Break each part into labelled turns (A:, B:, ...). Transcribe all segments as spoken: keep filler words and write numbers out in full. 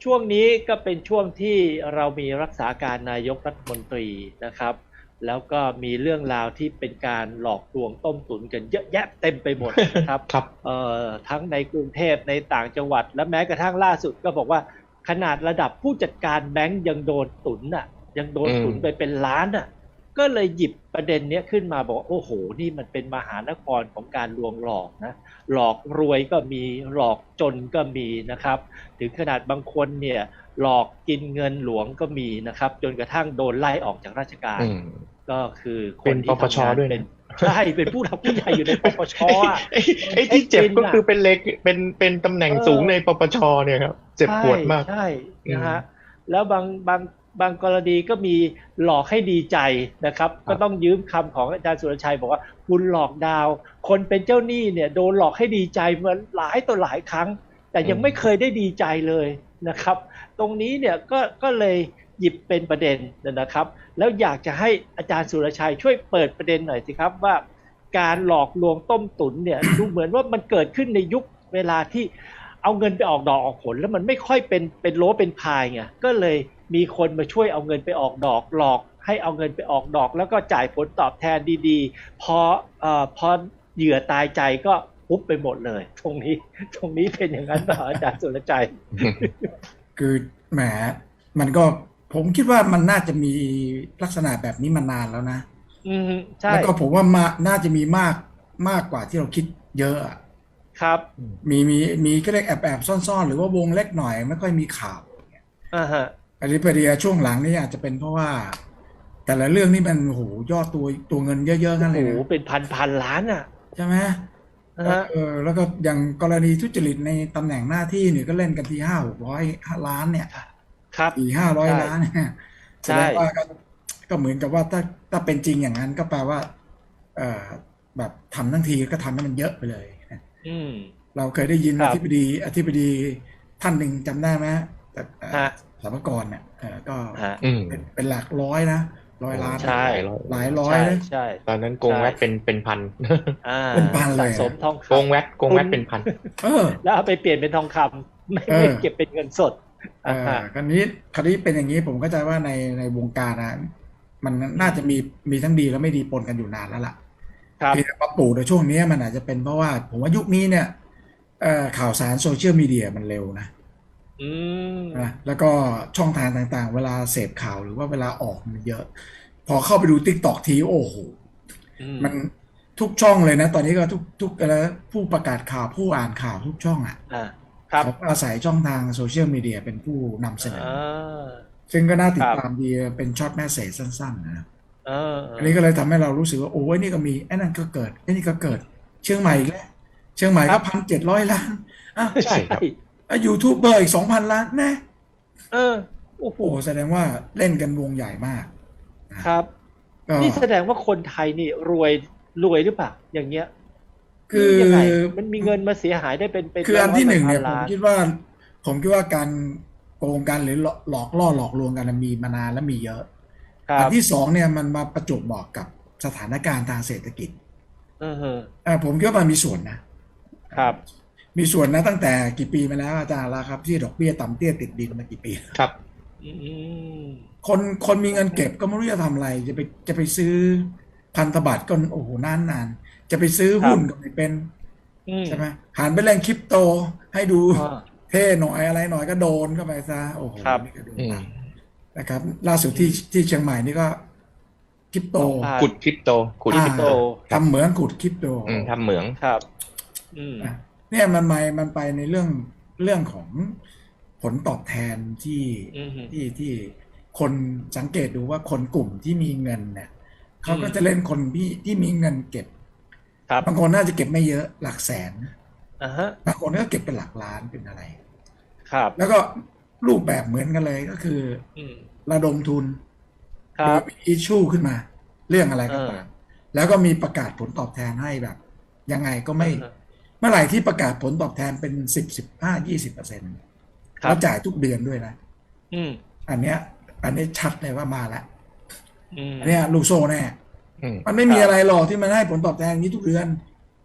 A: ช่วงนี้ก็เป็นช่วงที่เรามีรักษาการนายกรัฐมนตรีนะครับแล้วก็มีเรื่องราวที่เป็นการหลอกลวงต้มตุ๋นกันเยอะแยะเต็มไปหมดนะครับ
B: ครับ
A: เอ่อทั้งในกรุงเทพในต่างจังหวัดและแม้กระทั่งล่าสุดก็บอกว่าขนาดระดับผู้จัดการแบงก์ยังโดนตุ๋นน่ะยังโดนตุ๋นไปเป็นล้านน่ะก็เลยหยิบประเด็นนี้ขึ้นมาบอกโอ้โหนี่มันเป็นมหานครของการลวงหลอกนะหลอกรวยก็มีหลอกจนก็มีนะครับถึงขนาดบางคนเนี่ยหลอกกินเงินหลวงก็มีนะครับจนกระทั่งโดนไล่ออกจากราชการก็คือคนที่ทำงานเป็นใช่เป็นผู้หลักผู้ใหญ่อยู่ในปปชอ่ะ
B: ไอ้ที่เจ็บก็คือเป็นเล็กเป็นเป็นตำแหน่งสูงในปปชเนี่ยครับเจ็บปวดมาก
A: ใช่นะฮะแล้วบางบางบางกรณีก็มีหลอกให้ดีใจนะครับก็ต้องยืมคำของอาจารย์สุรชัยบอกว่าคุณหลอกดาวคนเป็นเจ้าหนี้เนี่ยโดนหลอกให้ดีใจมาหลายต่อหลายครั้งแต่ยังไม่เคยได้ดีใจเลยนะครับตรงนี้เนี่ยก็ก็เลยหยิบเป็นประเด็นนะครับแล้วอยากจะให้อาจารย์สุรชัยช่วยเปิดประเด็นหน่อยสิครับว่าการหลอกลวงต้มตุ๋นเนี่ย ดูเหมือนว่ามันเกิดขึ้นในยุคเวลาที่เอาเงินไปออกดอกออกผลแล้วมันไม่ค่อยเป็นเป็นโลเป็นพายไงก็เลยมีคนมาช่วยเอาเงินไปออกดอกหลอกให้เอาเงินไปออกดอกแล้วก็จ่ายผลตอบแทนดีๆพอเอ่อพอเหยื่อตายใจก็ปุ๊บไปหมดเลยตรงนี้ตรงนี้เป็นอย่างนั้นเปล่าอาจารย์สุรชัย
C: คือแหมมันก็ผมคิดว่ามันน่าจะมีลักษณะแบบนี้มานานแล้วนะ
A: อืมใช่
C: แล้วก็ผมว่ามาน่าจะมีมากมากกว่าที่เราคิดเยอะ
A: ครับ
C: มีมีมีก็เรียกแอบแอบซ่อนๆหรือว่าวงเล็กหน่อยไม่ค่อยมีข่าว
A: อ่าฮะ
C: อันนี้พอดีช่วงหลังนี่อาจจะเป็นเพราะว่าแต่ละเรื่องนี่มันโหยอดตัวตัวเงินเยอะๆนั่นเลยนะ
A: โอ้โหเป็นพันพันล้านอ่ะ
C: ใช่ไหมเออแล้วก็อย่างกรณีทุจริตในตำแหน่งหน้าที่เนี่ยก็เล่นกันทีห้าหกร้อยล้านเนี่ย
A: ครับ
C: สี่ห้าร้อยล้านเนี่ยแสดงว่าก็ก็เหมือนกับว่าถ้าถ้าเป็นจริงอย่างนั้นก็แปลว่าเออแบบทำทั้งทีก็ทำให้มันเยอะไปเลย
A: อืม
C: เราเคยได้ยินอธิบดีอธิบดีท่านหนึ่งจำได้ไหมแต่สรรพากรเนี่ยก็เป็นเป็นหลักร้อยนะร้อยล้าน
A: ใช่
C: หลายร้อยนะ
A: ใช่
B: ตอนนั้นโกงแวดเป็นเป็นพัน
C: เป็นพันเลย
A: สะสมทองคำ
B: โกงแวดโกงแวดเป็นพัน
A: แล้วเอาไปเปลี่ยนเป็นทองคำไม่ไม่เก็บเป็นเงินสด
C: อ่าคราวนี้คราวนี้เป็นอย่างนี้ผมเข้าใจว่าในในวงการนะมันน่าจะมีมีทั้งดีและไม่ดีปนกันอยู่นานแล้วล่ะที่มาปลูกในช่วงนี้มันอาจจะเป็นเพราะว่าผมว่ายุคนี้เนี่ยข่าวสารโซเชียลมีเดียมันเร็วนะนะแล้วก็ช่องทางต่างๆเวลาเสพข่าวหรือว่าเวลาออกมันเยอะพอเข้าไปดู TikTok ทีโอ้โหมันทุกช่องเลยนะตอนนี้ก็ทุกทุกแล้วผู้ประกาศข่าวผู้อ่านข่าวทุกช่องอ่ะเขาอาศัยช่องทางโซเชียลมีเดียเป็นผู้นำเสนอซึ่งก็น่าติดตามดีเป็นช็อตแมสเสจสั้นๆนะอันนี้ก็เลยทำให้เรารู้สึกว่าโอ้ยนี่ก็มีไอ้นั่นก็เกิดไอ้นี่ก็เกิดเชียงใหม่อีกแล้วเชียงใหม่ก็พันเจ็ดร้อยล้านอ้าว
A: ใช่
C: ยูทูบเบอร์อีกสองพันล้านแน่
A: เออโอ้โห
C: แสดงว่าเล่นกันวงใหญ่มาก
A: ครับนี่แสดงว่าคนไทยนี่รวยรวยหรือเปล่าอย่างเงี้ย
C: คือ
A: ยังไงมันมีเงินมาเสียหายได้เป็นเป็น
C: คืออันที่หนึ่งเนี่ยผมคิดว่าผมคิดว่าการโกงกันหรือหลอกล่อหลอกลวงกันมีมานานและมีเยอะอันที่สองเนี่ยมันมาประจวบเหมาะกับสถานการณ์ทางเศรษฐกิจอ่าผมคิดว่ามันมีส่วนนะครับมีส่วนนะตั้งแต่กี่ปีมาแล้วอาจารย์ละครับที่ดอกเบี้ยต่ำเตี้ยติดดินมากี่ปี
B: ครับ
C: คนคนมีเงินเก็บก็ไม่รู้จะทำอะไรจะไปจะไปซื้อพันธบัตรก็โอ้โหนานนานจะไปซื้อหุ้นก็ไม่เป็นใช่ไหมหันไปเล่นคริปโตให้ดูเท่หน่อยอะไรหน่อยก็โดนเข้าไปซะโอ้โหนี่ก็โดนนะครับล่าสุดที่ที่เชียงใหม่นี่ก็คริปโต
B: ขุดคริปโตขุดคริปโต
C: ทำเหมืองขุดคริปโต
B: ทำเหมือง
A: ครับ
C: เนี่ยมันไปมันไปในเรื่องเรื่องของผลตอบแทนที่ที่ที่คนสังเกตดูว่าคนกลุ่มที่มีเงินเนี่ยเขาก็จะเล่นคนที่ที่มีเงินเก็บบางคนน่าจะเก็บไม่เยอะหลักแสนบางคนก็เก็บเป็นหลักล้านเป็นอะไร
A: ครับ
C: แล้วก็รูปแบบเหมือนกันเลยก็คือระดมทุนโดยมีอิชชูขึ้นมาเรื่องอะไรก็ตามแล้วก็มีประกาศผลตอบแทนให้แบบยังไงก็ไม่เมื่อไหร่ที่ประกาศผลตอบแทนเป็นสิบสิบห้ายี่สิบเปอร์เซ็นต์แล้วจ่ายทุกเดือนด้วยนะอันเนี้ยอันนี้ชัดเลยว่ามาแล้วอันนี้ลูกโซ่แน่มันไม่มีอะไรหรอกที่มันให้ผลตอบแทนนี้ทุกเดือน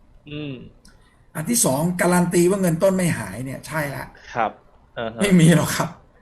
C: อันที่สองการันตีว่าเงินต้นไม่หายเนี่ยใช่ละ
A: ครับ
C: ไม่มีหรอกครับ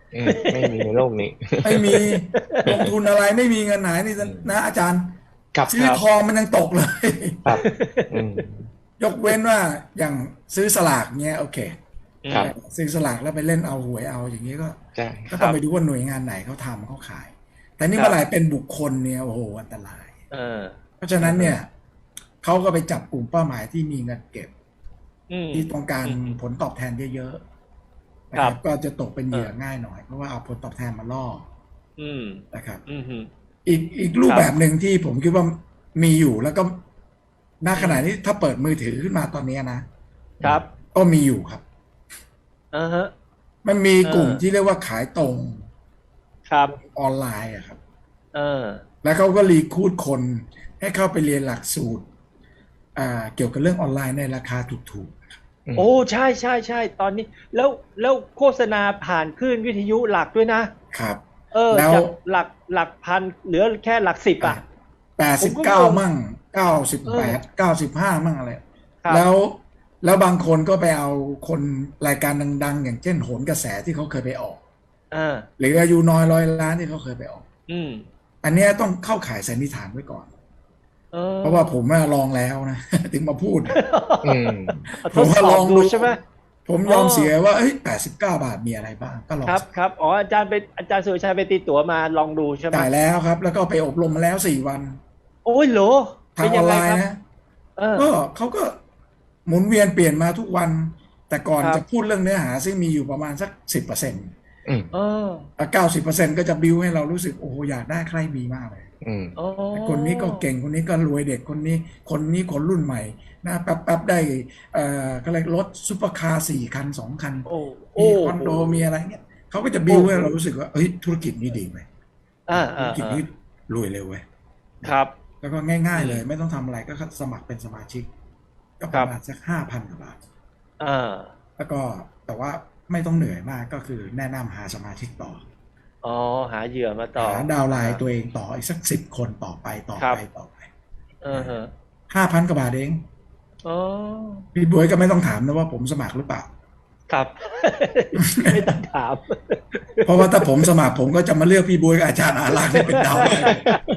B: อืมไม่มีในโลกนี้
C: ไม่มีลงทุนอะไรไม่มีเงินไหนนี่นะอาจารย์
B: ครับ
C: ซื้อทองมันยังตกเลย
B: ครับอืม
C: ยกเว้นว่าอย่างซื้อสลากเนี้ยโอเค
B: ครับ
C: ซื้อสลากแล้วไปเล่นเอาหวยเอาอย่างนี้ก็
B: ใช่
C: ก็ต้องไปดูว่าหน่วยงานไหนเขาทำเขาขาย แต่นี่เมื่อไหร่เป็นบุคคลเนี่ยโอ้โหอันตราย
A: เออ
C: เพราะฉะนั้นเนี่ยเขาก็ไปจับกลุ่มเป้าหมายที่มีเงินเก็บ
A: อืม
C: ที่ต้องการ
A: อืม
C: ผลตอบแทนเยอะๆนะ
A: ค
C: ค
A: รั
C: รับ บก็จะตกเป็นเหยื่อง่ายหน่อยเพราะว่าเอาผลตอบแทนมาล่อ
A: อืม
C: นะครับ
A: อืมฮึ
C: อีกอีกรูปแบบหนึ่งที่ผมคิดว่ามีอยู่แล้วก็ณขณะนี้ถ้าเปิดมือถือขึ้นมาตอนนี้นะครับ ก็มีอยู่ครับ
A: อ่าฮะ
C: มันมีกลุ่ม
A: เออ
C: ที่เรียกว่าขายตรง
A: ครับ
C: ออนไลน์อะครับ
A: เออ
C: แล้วเขาก็รีคูดคนให้เข้าไปเรียนหลักสูตรอ่าเกี่ยวกับเรื่องออนไลน์ในราคาถูก
A: โอ้ใช่ใช่ใช่ตอนนี้แล้วแล้วโฆษณาผ่านคลื่นวิทยุหลักด้วยนะ
C: ๆครับ
A: เออ
C: แล้ว
A: จากหลักหลักพันเหลือแค่หลักสิบอ่ะ
C: แปดสิบเก้ามั่งเก้าสิบแปดเก้าสิบห้ามั่งอะไร
A: ครับ
C: แล้วแล้วบางคนก็ไปเอาคนรายการดังๆ อย่างเช่นโหนกระแสที่เขาเคยไปออก
A: อ่า
C: หรืออายุน้อยร้อยล้านที่เขาเคยไปออก
A: อืม
C: อันเนี้ยต้องเข้าข่ายสันนิษฐานไว้ก่อน
A: เออ
C: เพราะว่าผมอะลองแล้วนะ ถึงมาพูด
B: อืม
A: ทดสอบดูใช่ไหม
C: ผมยอมเสียว่าเอ้ยแปดสิบเก้าบาทมีอะไรบ้างก็ลอง
A: ครับครับอ๋ออาจารย์ไปอาจารย์สุรชัยไปตีตั๋วมาลองดูใช่ไหม
C: จ่ายแล้วครับ แล้วก็ไปอบรมมาแล้วสี่วัน
A: โอ้ยเหรอ
C: ทา
A: เป็
C: ง
A: น
C: อ
A: ยั
C: อง น
A: ไง
C: ไลน์
A: ครับ
C: นะ
A: เออ
C: ก็เขาก็หมุนเวียนเปลี่ยนมาทุกวัน แต่ก่อน
A: ครับ
C: จะพูดเรื่องเนื้อหาซึ่งมีอยู่ประมาณสักสิบเปอร์เซ็นต์
B: อืม
A: เออ
C: เก้าสิบเปอร์เซ็นต์ก็จะบิวให้เรารู้สึกโอ้โหอยากได้ใครมีมากเลย
B: อืม
A: อ๋อ
C: คนนี้ก็เก่งคนนี้ก็รวยเด็กคนนี้ คนนี้คนรุ่นใหม่นะแป๊บๆได้เอ่อก็เลยรถซุปเปอร์คาร์สี่คันสองคัน
A: โอ้
C: มีคอนโดมีอะไรเงี้ยเขาก็จะบิวให้เรารู้สึกว่าเฮ้ยธุรกิจนี้ดีไหม
A: อ่า
C: ธุ
A: อ่าร
C: กิจ
A: อ่า
C: นี้รวยเร็วเว้ย
A: ครับ
C: แล้วก็ง่ายๆเลย ไม่ต้องทำอะไรก็สมัครเป็นสมาชิก ก็ประมาณสักห้าพันกว่าบาท
A: อ่า
C: แล้วก็แต่ว่าไม่ต้องเหนื่อยมากก็คือแนะนำหาสมาชิกต่อ
A: อ๋อหาเหยื่อมาต่อ
C: หาดาวน์ไลน์ตัวเองต่ออีกสักสิบคนต่อไปต่อ
A: ครับ
C: ไปต่อไป
A: เออฮะ
C: ห้าพันกว่าบาทเอง
A: อ๋อ
C: พี่บวยก็ไม่ต้องถามนะว่าผมสมัครหรือเปล่า
A: ครับ ไม่ต้องถาม
C: เพราะว่าถ้าผมสมัครผมก็จะมาเลือกพี่บวยกับอาจารย์อารักษ์ให้เป็นดาวน์ไลน์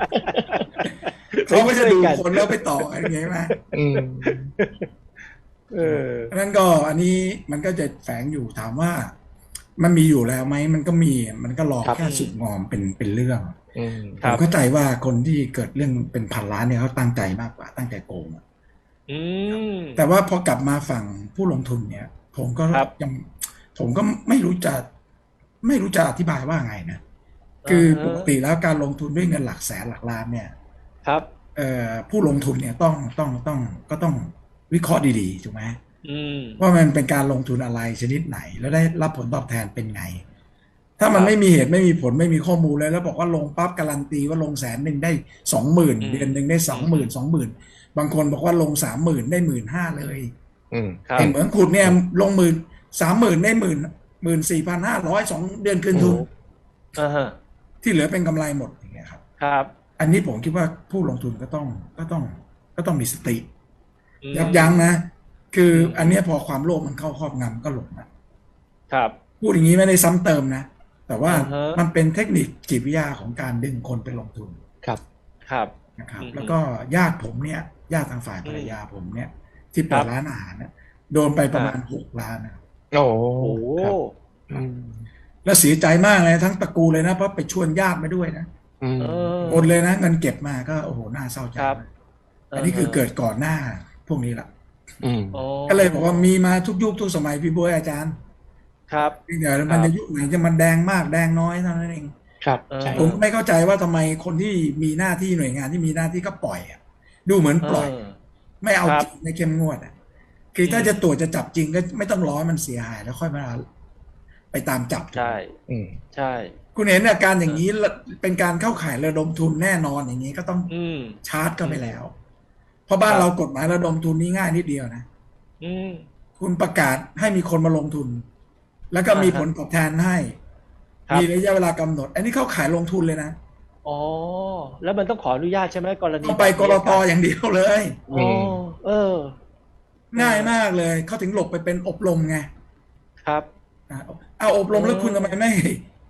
C: เขาก็จะดูคนแล้วไปต่ออะไรอย่างเงี้ยไหม
B: อืม
A: เออ
C: นั้นก็อันนี้มันก็จะแฝงอยู่ถามว่ามันมีอยู่แล้วไหมมันก็มีมันก็รอ
B: ครับ
C: แค่สุกงอมเป็นเป็นเรื่อง
B: อืม
A: ค
C: ผ
A: รับ
C: มเข้าใจว่าคนที่เกิดเรื่องเป็นพันล้านเนี่ยเขาตั้งใจมากกว่าตั้งใจโกงอะ
A: อืม
C: แต่ว่าพอกลับมาฝั่งผู้ลงทุนเนี่ย ผมก็
A: ครับ
C: ยังผมก็ไม่รู้จะไม่รู้จะอธิบายว่าไงนะคือปกติแล้วการลงทุนด้วยเงินหลักแสนหลักล้านเนี่ย
A: ครับ
C: เอ่อผู้ลงทุนเนี่ยต้องต้องต้องก็ต้องวิเคราะห์ดีๆถูกไหม
A: อืม
C: ว่ามันเป็นการลงทุนอะไรชนิดไหน แล้วได้รับผลตอบแทนเป็นไง ถ้ามัน
A: ครับ
C: ไม่มีเหตุไม่มีผลไม่มีข้อมูลเลยแล้วบอกว่าลงปั๊บการันตีว่าลงแสนหนึ่งได้สองหมื่น
A: อืม
C: เดือนหนึ่งได้สองหมื่นสองหมื่นบางคนบอกว่าลงสามหมื่นได้หมื่นห้าเลย
B: อืม
A: ครับ
C: เห็นเหมือนขุดเนี่ยลงหมื่นสามหมื่นได้หมื่นหมื่นสี่พันห้าร้อยสองเดือนคืนทุน
A: อ่าฮะ
C: ที่เหลือเป็นกำไรหมดอย่างเงี้ยครับ
A: ครับ
C: อันนี้ผมคิดว่าผู้ลงทุนก็ต้องก็ต้องก็ต้องมีสติ
A: อืม
C: ยับยั้งนะ คืออ
A: ม
C: อันเนี้ยพอความโลภมันเข้าครอบงำก็หลงนะครับ พูดอย่างนี้ไม่ได้ซ้ำเติมนะ แต่ว่า
A: อ่าฮะ
C: มันเป็นเทคนิคจิตวิทยาของการดึงคนไปลงทุน
B: ครับ
A: ครับ
C: นะครับ
A: อืม
C: แล้วก็ญาติผมเนี่ยญาติทางฝ่ายภรรยาผมเนี่ย ที่
A: ค
C: เปิ
A: รั
C: ด
A: บ
C: ร้านอาหารเนี่ยโดนไปประมาณ
A: อ่า
C: หกล้านนะ
B: โอ้
A: โอ้
B: ครับอืม
C: แล้วเสียใจมากเลยทั้งตระกูลเลยนะเพราะไปชวนญาติมาด้วยนะ
B: อืม
A: เออ
C: หมดเลยนะเงินเก็บมาก็โอ้โหน่าเศร้าใจ
A: ครับ
C: มากอันนี้คือเกิดก่อนหน้าพวกนี้ละ
B: อืม
A: อ๋อ
C: ก็เลยบอกว่ามีมาทุกยุคทุกสมัยพี่บวยอาจารย์
A: ครับ
C: เดี๋ยวมันจะยุคไหนจะมันแดงมากแดงน้อยเท่านั้นเอง
B: ครับ
A: เออ
B: ใช่
C: ผมไม่เข้าใจว่าทำไมคนที่มีหน้าที่หน่วยงานที่มีหน้าที่ก็ปล่อยอะดูเหมือนปล่อย
A: เออ
C: ไม่เอา
A: ครับ
C: จริงไม่เข้มงวดอะคือถ้า
A: อืม
C: จะตรวจจะจับจริงก็ไม่ต้องรอให้มันเสียหายแล้วค่อยมาไปตามจับ
A: ใช่
B: อืม
A: ใช่
C: คุณเห็นอาการอย่างนี้เป็นการเข้าข่ายระดมทุนแน่นอนอย่างนี้ก็ต้อง
A: อืม
C: ชาร์จเข้าไปแล้ว เพราะบ้าน
A: ครับ
C: เรากฎหมายระดมทุนนี้ง่ายนิดเดียวนะ
A: อืม
C: คุณประกาศให้มีคนมาลงทุน แล้วก็มี
A: อ่าฮะ
C: ผลตอบแทนให้
A: ครับ
C: มีระยะเวลากำหนด อันนี้เข้าขายลงทุนเลยนะ
A: อ๋อ แล้วมันต้องขออนุญาตใช่ไหมกรณี
C: ต้องไปกรตอย่างเดียวเลย
A: อ๋อเออ
C: ง่ายมากเลย เขาถึงหลบไปเป็นอบรมไง
A: ครับ
C: อ่ะเอาอบรมแล้วคุณทำไมไม่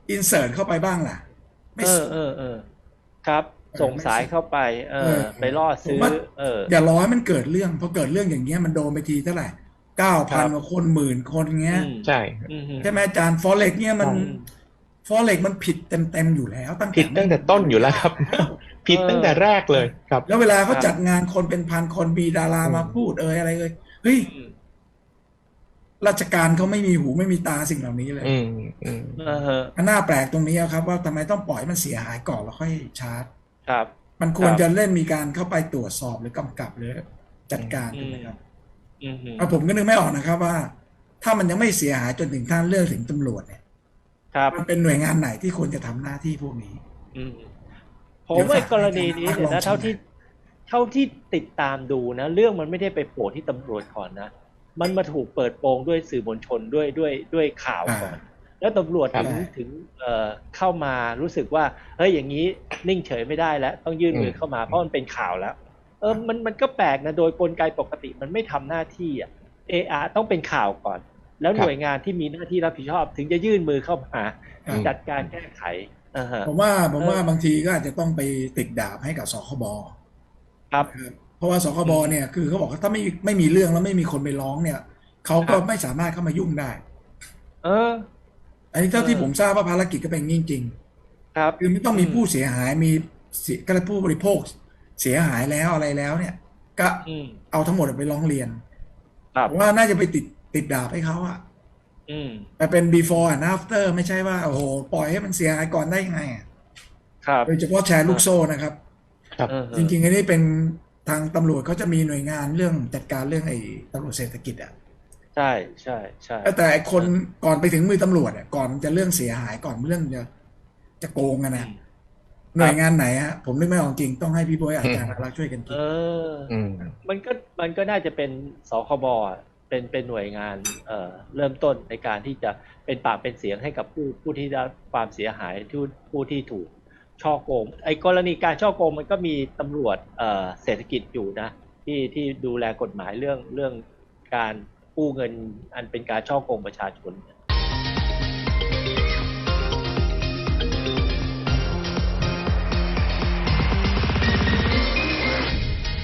C: อินเสิร์ตเข้าไปบ้างล่ะไม่
A: เออ
C: ส่ง
A: เออเออครับ ส่งสายเข้าไป เอ
C: เอ
A: อ
C: อ
A: ไปล่อ
C: ผม
A: ซื้อ
C: ว่า
A: เออ
C: อย่ารอให้มันเกิดเรื่องพอเกิดเรื่องอย่างเงี้ยมันโดนไปทีเท่าไหร่เก้า
A: ครั
C: พัน
A: บ
C: กว่าคนหมื่นคนเงี้ย
A: อืม
B: ใช่
A: อืม
C: ใช่ไหมอาจารย์ฟอเร็กเนี่ยมัน
A: อืม
C: ฟอเร็กมันผิดเต็มๆอยู่แล้วตั้ง
B: ผิดตั้งแต่ต้นอยู่แล้วครับ
C: แล้ว
B: ผิดตั้งแต่แรกเลยครับ
C: แล้วเวลาเขา
A: ครับ
C: จัดงานคนเป็นพันคนมีดารา
B: อืม
C: มาพูดเอ่ยอะไรเอ่ยเฮ้ย
A: อืม
C: ราชการเขาไม่มีหูไม่มีตาสิ่งเหล่านี้เลย
B: อืมอืม
A: เออฮะ
C: มันน่าแปลกตรงนี้ครับว่าทำไมต้องปล่อยให้มันเสียหายก่อนแล้วค่อยชาร์จ
A: ครับ
C: มันควร
A: ครับ
C: จะเล่นมีการเข้าไปตรวจสอบหรือกำกับหรือจัดการ
A: อื
C: ถูก
A: ม
C: ไหมครับ
A: อืมอืม
C: เอาผมก็นึกไม่ออกนะครับว่า ถ้ามันยังไม่เสียหายจนถึงขั้นเรื่องถึงตำรวจเนี่ย
A: ครับ
C: มันเป็นหน่วยงานไหนที่ควรจะทำหน้าที่พวกนี้
A: อืมผมว่ากรณีนี้เนี่ยนะ
C: เดี๋ยวฝาก
A: เท่าที่เท่าที่ติดตามดูนะ เรื่องมันไม่ได้ไปโผล่ที่ตำรวจก่อนนะ มันมาถูกเปิดโปงด้วยสื่อมวลชนด้วยด้วยด้วยข่าวก่อน แล้วตำรวจถึง
C: ใช่
A: ถึงเอ่อเข้ามารู้สึกว่าเฮ้ยอย่างนี้นิ่งเฉยไม่ได้แล้ว ต้องยื่นมือเข้ามาเพราะมันเป็นข่าวแล้ว เออมันมันก็แปลกนะโดยกลไกปกติมันไม่ทำหน้าที่อ่ะเออต้องเป็นข่าวก่อน แล้วหน่วยงานที่มีหน้าที่รับผิดชอบ ถึงจะยื่นมือเข้ามา
C: ครับ
A: จัดการแก้ไขอ่าฮะ
C: ผมว่าผมว่า
A: เออ
C: บางทีก็อาจจะต้องไปติดดาบให้กับสคบ
A: ครับ
C: นะครับเพราะว่าสคบเนี่ยคือเขาบอกว่าถ้าไม่ไม่มีเรื่องแล้วไม่มีคนไปร้องเนี่ยเขาก็
A: ครับ
C: ไม่สามารถเข้ามายุ่งได้
A: เออ
C: อันนี้เท่าที่
A: เออ
C: ผมทราบว่าภารกิจก็เป็นอย่างนี้จริง
A: ครับ
C: ๆคือไม่ต้องมีผู้เสียหายมีเสียก็เลยผู้บริโภคเสียหายแล้วอะไรแล้วเนี่ย ก็
A: อืม
C: เอาทั้งหมดไปร้องเรียน
A: ครับ
C: ผมว่าน่าจะไปติดติดดาบให้เขาอะ
A: อืม
C: แต่เป็น before and after ไม่ใช่ว่าโอ้โหปล่อยให้มันเสียหายก่อนได้ยังไงอะ
A: ครับ
C: โดยเฉพาะแชร์ลูกโซ่นะครับ
B: ครับ
A: เออ
C: จริงๆอันนี้เป็นทางตำรวจเขาจะมีหน่วยงานเรื่องจัดการเรื่องไอ้ตำรวจเศรษฐกิจอ่ะ
A: ใช่ใช่ใช่
C: แต่ไอ้คนก่อนไปถึงมือตำรวจอ่ะก่อนจะเรื่องเสียหายก่อนเรื่องจะจะโกงกันนะหน่วยงานไหนฮะผมนึกไม่ออกจริงต้องให้พี่บอยอาจารย์รักช่วยกันคิ
A: เอ
C: ด
A: อ
B: อืม
A: มันก็มันก็น่าจะเป็นสคบอ่ะเป็นเป็นหน่วยงานเอ่อเริ่มต้นในการที่จะเป็นปากเป็นเสียงให้กับผู้ผู้ที่ได้ความเสียหายที่ผู้ที่ถูกช่อโกงไอ้กรณีการช่อโกงมันก็มีตำรวจเอ่อเศรษฐกิจอยู่นะที่ที่ดูแลกฎหมายเรื่องเรื่องการกู้เงินอันเป็นการช่อโกงประชาชนเนี่ย